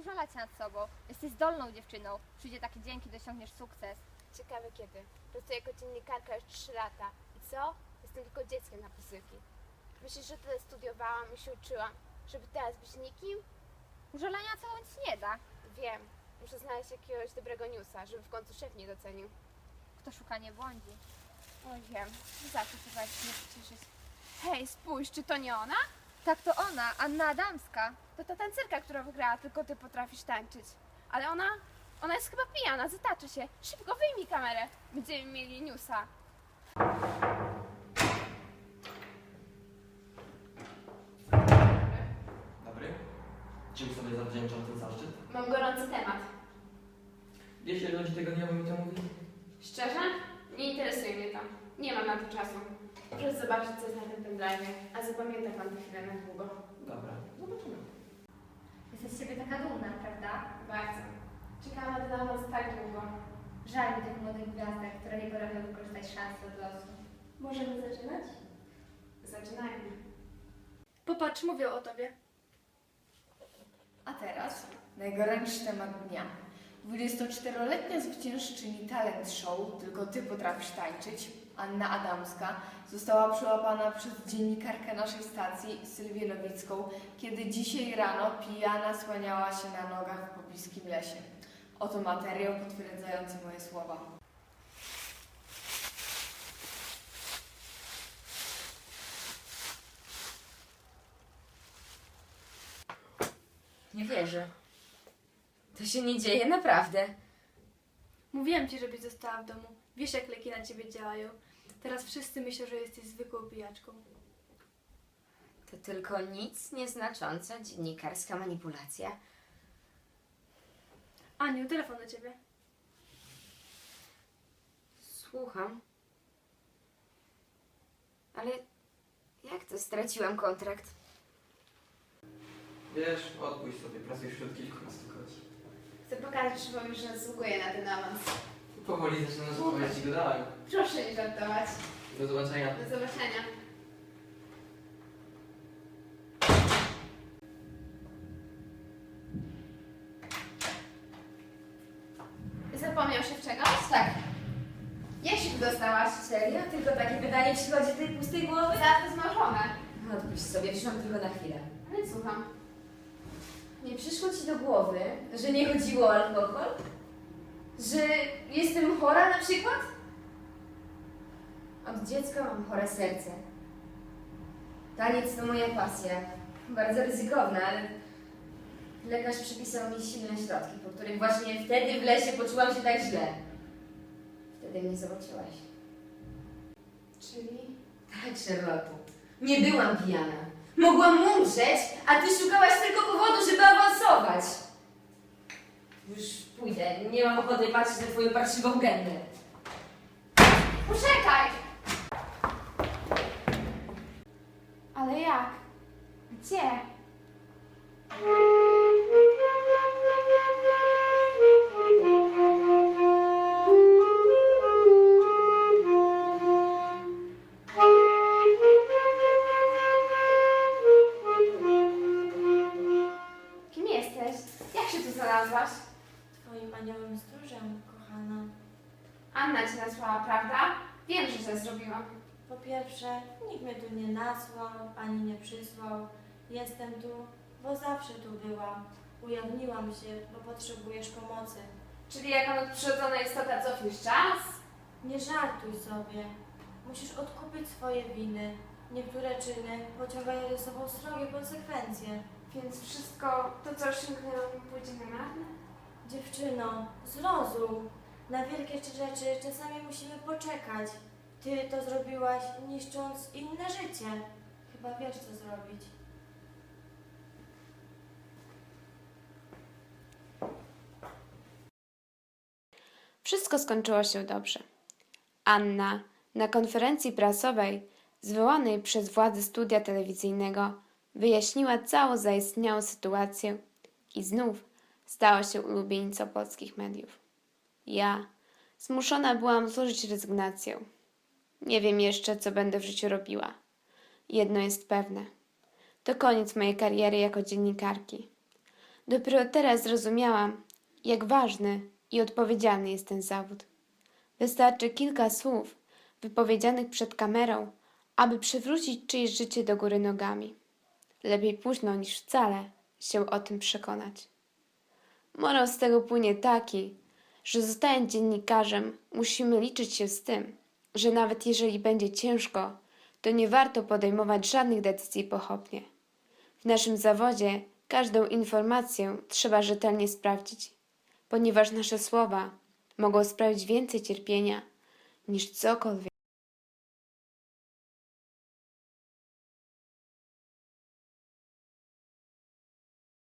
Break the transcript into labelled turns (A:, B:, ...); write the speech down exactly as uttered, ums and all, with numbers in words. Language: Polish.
A: użalać się nad sobą. Jesteś zdolną dziewczyną. Przyjdzie taki dzień, kiedy osiągniesz sukces.
B: Ciekawe kiedy. Pracuję jako dziennikarka już trzy lata. I co? Jestem tylko dzieckiem na posyłki. Myślisz, że tyle studiowałam i się uczyłam, żeby teraz być nikim?
A: Użalania całą nic nie da.
B: Wiem. Muszę znaleźć jakiegoś dobrego newsa, żeby w końcu szef mnie docenił.
A: Kto szuka, nie błądzi.
B: Oj, wiem. Zawsze trzeba się nie pocieszyć. Hej, spójrz, czy to nie ona?
A: Tak, to ona, Anna Adamska.
B: To ta tancerka, która wygrała, tylko ty potrafisz tańczyć. Ale ona, ona jest chyba pijana, zataczy się. Szybko wyjmij kamerę. Będziemy mieli newsa.
C: Dobry. Czym sobie zawdzięczam ten zaszczyt?
B: Mam gorący temat.
C: Jeśli ludzi tego nie mi to mówi.
B: Szczerze? Nie interesuje mnie to. Nie mam na to czasu. Proszę zobaczyć, co jest na tym pendrive, a zapamięta pan tę chwilę na długo.
C: Dobra, zobaczymy.
A: Jesteś z siebie taka dumna, prawda?
B: Bardzo. Czekałam na ten awans tak długo.
A: Żal mi tych młodych gwiazdek, które nie potrafią wykorzystać szansy od losu.
D: Możemy zaczynać?
B: Zaczynajmy.
D: Popatrz, mówią o tobie.
E: A teraz najgorętszy temat dnia. dwudziestoczteroletnia zwyciężczyni talent show Tylko ty potrafisz tańczyć, Anna Adamska, została przyłapana przez dziennikarkę naszej stacji, Sylwię Nowicką, kiedy dzisiaj rano pijana słaniała się na nogach w pobliskim lesie. Oto materiał potwierdzający moje słowa.
F: Nie wierzę. To się nie dzieje naprawdę.
D: Mówiłam ci, żebyś została w domu. Wiesz, jak leki na ciebie działają. Teraz wszyscy myślą, że jesteś zwykłą pijaczką.
F: To tylko nic nieznacząca dziennikarska manipulacja.
D: Aniu, telefon do ciebie.
F: Słucham. Ale jak to straciłam kontrakt?
C: Wiesz, odpuść sobie, pracuję wśród kilkunastu godzin.
B: Chcę pokazać szefowi, że zasługuję na ten awans.
C: Powoli zaczynasz odpowiadać go dalej.
B: Proszę nie żartować.
C: Do zobaczenia.
B: Do zobaczenia. Zapomniał się w czegoś?
F: Tak.
B: Jak się tu dostałaś?
F: Serio? Tylko takie pytanie przychodzi z tej pustej głowy?
B: Zaraz zmarzone.
F: Odpuść sobie, przyszłam tylko na chwilę.
B: Ale słucham.
F: Nie przyszło ci do głowy, że nie chodziło o alkohol? Że jestem chora na przykład? Od dziecka mam chore serce. Taniec to moja pasja. Bardzo ryzykowna, ale lekarz przepisał mi silne środki, po których właśnie wtedy w lesie poczułam się tak źle. Wtedy mnie zobaczyłaś.
B: Czyli?
F: Tak, Charlotte. Nie byłam pijana. Mogłam umrzeć, a ty szukałaś tylko powodu, żeby awansować. Już pójdę. Nie mam ochoty patrzeć na twoją parszywą gębę.
B: Poczekaj! Ale jak? Gdzie? Kim jesteś? Jak się tu znalazłaś?
D: Twoim aniołem stróżem, kochana.
B: Anna cię nasłała, prawda? Wiem, że źle zrobiłam.
D: Po pierwsze, nikt mnie tu nie nasłał, ani nie przysłał. Jestem tu, bo zawsze tu byłam. Ujawniłam się, bo potrzebujesz pomocy.
B: Czyli jako nadprzyrodzona istota cofniesz czas?
D: Nie żartuj sobie. Musisz odkupić swoje winy. Niektóre czyny pociągają ze sobą srogie konsekwencje.
B: Więc wszystko to, co osiągnęłam, pójdzie na marne?
D: Dziewczyno, zrozum. Na wielkie rzeczy czasami musimy poczekać. Ty to zrobiłaś, niszcząc inne życie. Chyba wiesz, co zrobić.
B: Wszystko skończyło się dobrze. Anna na konferencji prasowej zwołanej przez władze studia telewizyjnego wyjaśniła całą zaistniałą sytuację i znów stała się ulubienicą polskich mediów. Ja zmuszona byłam złożyć rezygnację. Nie wiem jeszcze, co będę w życiu robiła. Jedno jest pewne. To koniec mojej kariery jako dziennikarki. Dopiero teraz zrozumiałam, jak ważny i odpowiedzialny jest ten zawód. Wystarczy kilka słów wypowiedzianych przed kamerą, aby przywrócić czyjeś życie do góry nogami. Lepiej późno niż wcale się o tym przekonać. Morał z tego płynie taki, że zostając dziennikarzem musimy liczyć się z tym, że nawet jeżeli będzie ciężko, to nie warto podejmować żadnych decyzji pochopnie. W naszym zawodzie każdą informację trzeba rzetelnie sprawdzić, ponieważ nasze słowa mogą sprawić więcej cierpienia niż cokolwiek.